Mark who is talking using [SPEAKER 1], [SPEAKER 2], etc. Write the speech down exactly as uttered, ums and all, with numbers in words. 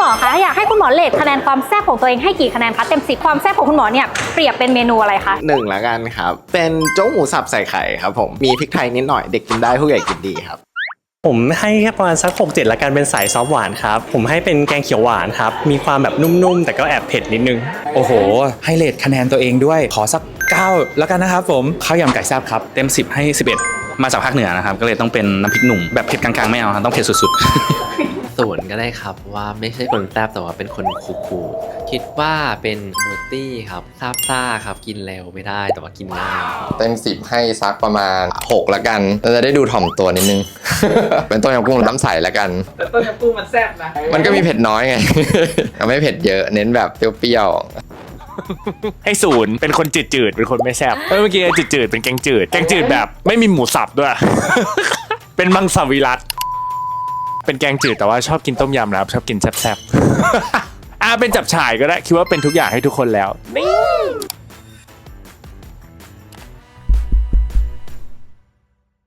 [SPEAKER 1] อคะอยากให้คุณหมอเรทคะแนนความแซ่บของตัวเองให้กี่คะแนนคะเต็มสิบความแซ่บของคุณหมอเนี่ยเปรียบเป็นเมนูอะไรคะ
[SPEAKER 2] หนึ่งละกันครับเป็นโจ๊กหมูสับใส่ไข่ครับผมมีพริกไทยนิดหน่อยเด็กกินได้ผู้ใหญ่กินดีครับ
[SPEAKER 3] ผมให้แค่ประมาณสักหกเจ็ดละกันเป็นสายซอฟหวานครับผมให้เป็นแกงเขียวหวานครับมีความแบบนุ่มๆแต่ก็แอบเผ็ดนิดนึง
[SPEAKER 4] โอ้โหให้เรทคะแนนตัวเองด้วยขอสักเก้าแล้วกันนะครับผมข้าวยำไก่แซ่บครับเต็มสิบให้สิบเอ็ดมาจากภาคเหนือนะครับก็เลยต้องเป็นน้ำพริกหนุ่มแบบเผ็ดกลางๆไม่เอาครับต้องเผ็ดสุดๆ
[SPEAKER 5] ศูนย์ก็ได้ครับว่าไม่ใช่คนแซ่บแต่ว่าเป็นคนคูลๆคิดว่าเป็นมูตี้ครับซาบซ่าครับกินเร็วไม่ได้แต่ว่ากินง่าย
[SPEAKER 6] เต็มสิบให้ซักประมาณหกละกันเราจะได้ดูถ่อมตัวนิดนึง เป็นต้มยำกุ้งน้ำใสละกัน
[SPEAKER 7] แต่ต้มยำกุ้งมันแซ่บนะ
[SPEAKER 6] มันก็มีเผ็ดน้อยไง ไม่เผ็ดเยอะเน้นแบบเปรี้ยว
[SPEAKER 8] ให้ศูนย์เป็นคนจืดจืดเป็นคนไม่แซ่บเมื่อกี้จืดจืดเป็นแกงจืดแกงจืดแบบไม่มีหมูสับด้วย เป็นมังสวิรัติเป็นแกงจืดแต่ว่าชอบกินต้มยำนะครับชอบกินแซ่บๆ อ่าเป็นจับฉ่ายก็ได้คิดว่าเป็นทุกอย่างให้ทุกคนแล้วนี่